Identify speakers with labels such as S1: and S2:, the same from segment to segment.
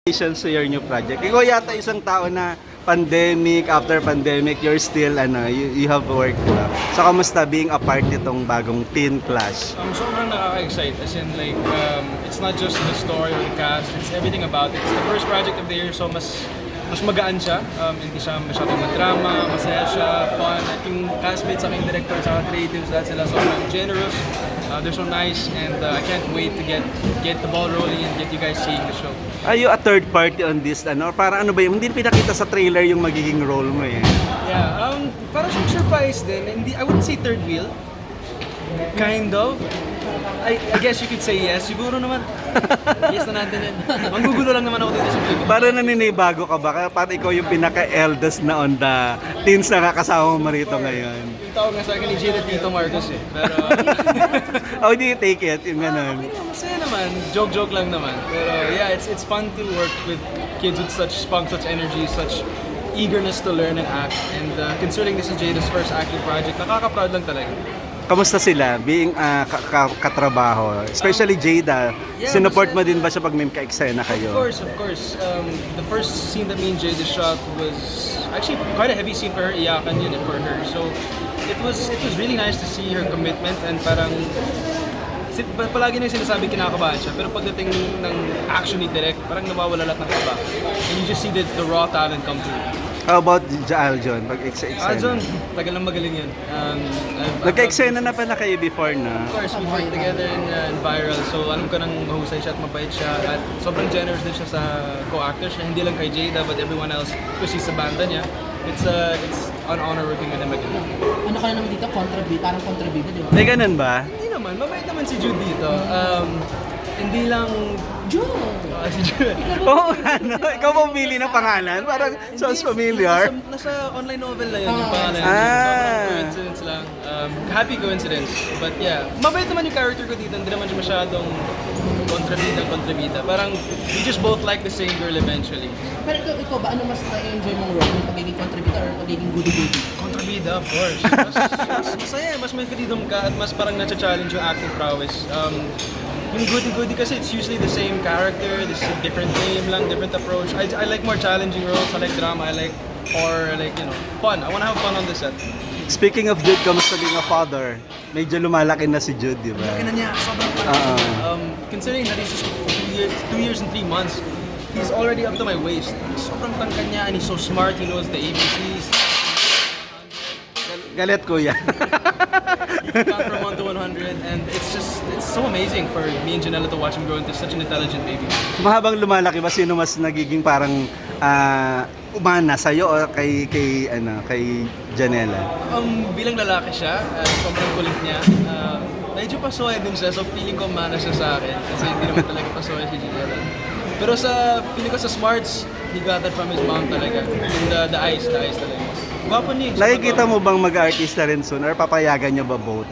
S1: Congratulations to your new project. Ikaw yata isang tao na pandemic, after pandemic, you're still, you have work, diba? So, kamusta being a part nitong bagong Teen Clash?
S2: Sobrang nakaka-excite. As in, like, it's not just the story or the cast, it's everything about it. It's the first project of the year, so mas magaan siya. Hindi siya masyadong madrama, masaya siya, fun. At yung castmates, aking director, at creatives, lahat sila sobrang generous. They're so nice, and I can't wait to get the ball rolling and get you guys seeing the show.
S1: Are you a third party on this, Para ano ba yun? Hindi pinakita sa trailer yung magiging role mo eh.
S2: Yeah, para siyang surprise din. I wouldn't say third wheel. Kind of. I guess you could say yes. Siguro naman. Yes na natin yan. Manggugulo lang naman ako dito sa film.
S1: Para naninibago ka ba? Para ikaw yung pinaka-eldest na on the teens na kakasama mo rito ngayon.
S2: Yung tawag nga sa akin ni Jada Tito Marcos eh. Pero...
S1: How do you take it? Yung ganun.
S2: Masaya naman. Joke-joke lang naman. Pero yeah, it's fun to work with kids with such spunk, such energy, such eagerness to learn and act. And considering this is Jada's first acting project, nakaka-proud lang talaga.
S1: Kamusta sila being katrabaho? Especially Jada,
S2: Yeah,
S1: sinuport mo
S2: masaya.
S1: din ba siya pag may ka-eksena kayo?
S2: Of course. The first scene that me and Jada shot was actually quite a heavy scene for her. Iyakan yun for her. So it was really nice to see her commitment and parang palagi na yung sinasabi kinakabahan siya. Pero pagdating ng action ni Direk, parang nawawala lahat ng kaba. And you just see the raw talent come through.
S1: How about Aljon? Pag eksena?
S2: John, tagal lang magaling yan.
S1: Nagka-eksena na pala kayo before na?
S2: Of course, we worked together in Viral. So alam ko nang mahusay siya at mabait siya. At sobrang generous din siya sa co-actors niya. Hindi lang kay Jada, but everyone else. Kasi sa banda niya. It's an honor working with him again.
S3: Ano ka na naman dito? Parang kontrabida, di ba?
S1: May ganun ba?
S2: Hindi naman, mabait naman si Jude dito. Hindi lang...
S3: June!
S2: Si Jude.
S1: Oo, ikaw pumili ng pangalan? Parang sounds familiar.
S2: Nasa online novel na yun yung pangalan.
S1: Ah.
S2: Sobrang coincidence lang. Happy coincidence. But yeah, mabait naman yung character ko dito. Hindi naman siya masyadong kontrabida. Parang we just both like the same girl eventually.
S3: Pero ikaw ba, ano mas na-enjoy mong role? Yung pagiging kontrabida or pagiging goody-goody?
S2: Kontrabida, of course. Mas masaya, mas may freedom ka at mas parang na-challenge yung acting prowess. Yung goody-goody kasi it's usually the same character, this is a different name lang, different approach. I like more challenging roles, I like drama, I like horror, I like, fun. I wanna have fun on the set.
S1: Speaking of Jude, kamusta being a father? Medyo lumalaki na si Jude, di ba?
S2: Laki na niya, sobrang considering that he's just 2 years and 3 months, he's already up to my waist. Sobrang tangkad niya and he's so smart, he knows the ABCs.
S1: Galit kuya.
S2: You can count from 1 to 100 and it's so amazing for me and Janela to watch him grow into such an intelligent baby.
S1: Mahabang lumalaki ba, sino mas nagiging parang umana sa'yo o kay Janela?
S2: Bilang lalaki siya, sobrang kulit niya. Medyo pasoy din siya, so feeling ko mana siya sa akin. Kasi hindi naman talaga pasoy si Janela. Pero feeling ko sa smarts, he got that from his mom talaga. And the eyes talaga. Gwapo niya.
S1: Nakikita mo bang mag-artista rin soon or papayagan niyo ba both?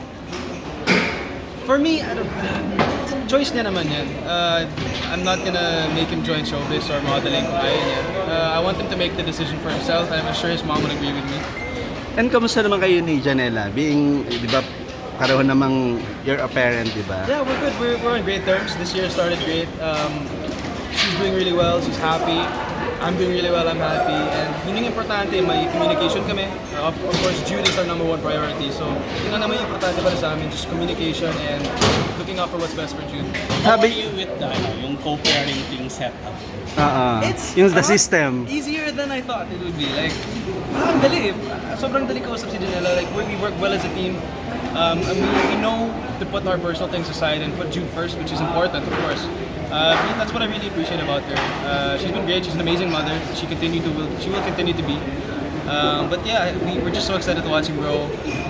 S2: For me, choice niya naman yan. I'm not gonna make him join showbiz or modeling kung ayaw niya. I want him to make the decision for himself. I'm sure his mom would agree with me.
S1: And kamusta naman kayo ni Janela? Being, di ba, pareho namang you're a parent, di ba?
S2: Yeah, we're good. We're on great terms. This year started great. She's doing really well. She's happy. I'm doing really well. I'm happy. And yun yung importante, may communication kami. Of course, Jude is our number one priority. So, yun ang naman yung importante para sa amin, just communication and looking out for what's best for Jude.
S4: How are you with yung co-parenting setup?
S1: Yung the system.
S2: Easier than I thought it would be. Like, ang dali. Sobrang dali kausap si Janela. Like, we work well as a team. And we know to put our personal things aside and put Jude first, which is important, of course. That's what I really appreciate about her. She's been great. She's an amazing mother. She will continue to be. But yeah, we're just so excited to watch him grow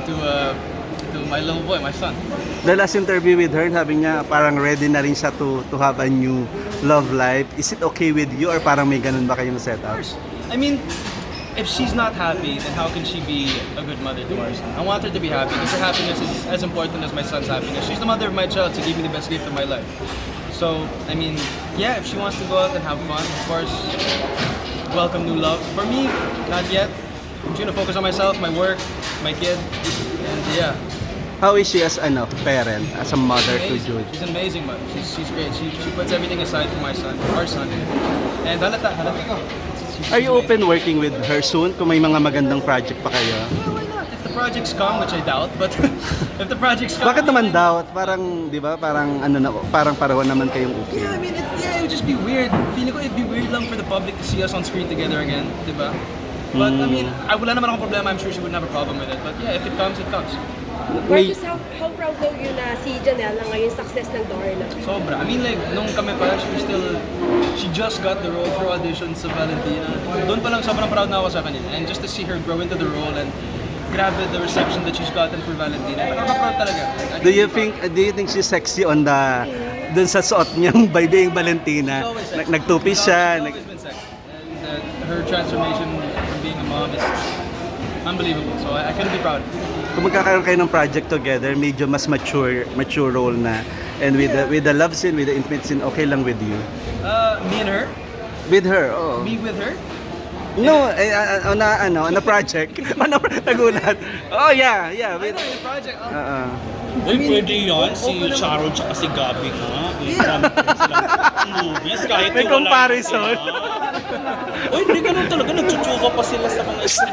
S2: to my little boy, my son.
S1: The last interview with her, sabi niya parang ready na rin siya to have a new love life. Is it okay with you or parang may ganun ba kayong setup?
S2: I mean, if she's not happy, then how can she be a good mother to our son? I want her to be happy because her happiness is as important as my son's happiness. She's the mother of my child to give me the best gift of my life. So, I mean, yeah, if she wants to go out and have fun, of course, welcome new love. For me, not yet. I'm trying to focus on myself, my work, my kid, and yeah.
S1: How is she as parent, as a mother to
S2: Amazing.
S1: Jude?
S2: She's an amazing mother. She's great. She puts everything aside for our son. And halata.
S1: Are you open working with her soon kung may mga magandang project pa kayo?
S2: Yeah, why not? If the projects come, which I doubt, but if the projects come...
S1: Bakit naman daw? Parang, di ba, parang parang pareho naman kayong okay.
S2: Yeah, I mean, it would just be weird. Feeling ko it'd be weird lang for the public to see us on screen together again, di ba? But I mean, wala naman akong problema. I'm sure she wouldn't have a problem with it. But yeah, if it comes, it comes.
S1: May,
S5: Marcus, how proud daw yun na si Janelle na ngayon success ng Darna?
S2: Sobra. I mean, like, nung kami pa, she just got the role for auditions sa Valentina. Doon pa lang sobrang proud na ako sa kanila. And just to see her grow into the role and grabe the reception that she's gotten for Valentina. Nakaka-proud talaga.
S1: do you think she's sexy on dun sa suot niyang by being Valentina?
S2: She's always sexy.
S1: Nagtupi siya.
S2: She's always been sexy. And her transformation from being a mom is unbelievable. So I couldn't be proud.
S1: Kung magkakaroon kayo ng project together, medyo mas mature role na. And with the love scene, with the intimate scene, okay lang with you?
S2: Me and her?
S1: With her, oh.
S2: Me with her?
S1: No, on a project. Nagulat. Oh, yeah.
S2: I
S1: With,
S2: know, in the project.
S1: uh,
S4: Uy, pwede yun. Si Charo tsaka si Gabi nga. Yung silang movies. Kahit
S1: May
S4: yung wala
S1: comparison.
S4: sila. Uy, hindi ganun talaga. Nagchuchuga pa sila sa mga scene.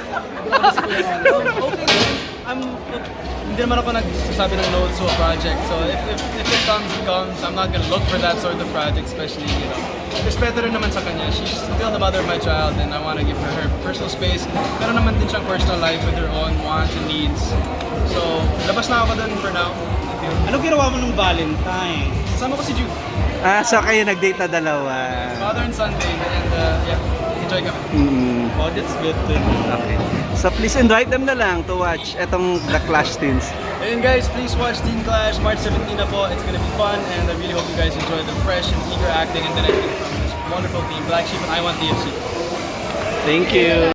S2: Okay. Hindi naman ako nagsasabi ng no to a project. So if it comes, it comes. I'm not gonna look for that sort of project, especially, respeto rin naman sa kanya. She's still the mother of my child and I want to give her personal space. Pero naman din siyang personal life with her own wants and needs. So, labas na ako dun for now.
S4: Ano ginawa mo nung Valentine?
S2: Kasama ko si Jude.
S1: so kayo nag-date na dalawa.
S2: Father and son day. And yeah, enjoy kami.
S4: Oh, that's good to know.
S1: Okay. So please invite them na lang to watch etong The Clash Teens.
S2: And guys, please watch Teen Clash March 17 na po. It's gonna be fun and I really hope you guys enjoy the fresh and eager acting and directing from this wonderful team, Black Sheep and I Want TFC.
S1: Thank you.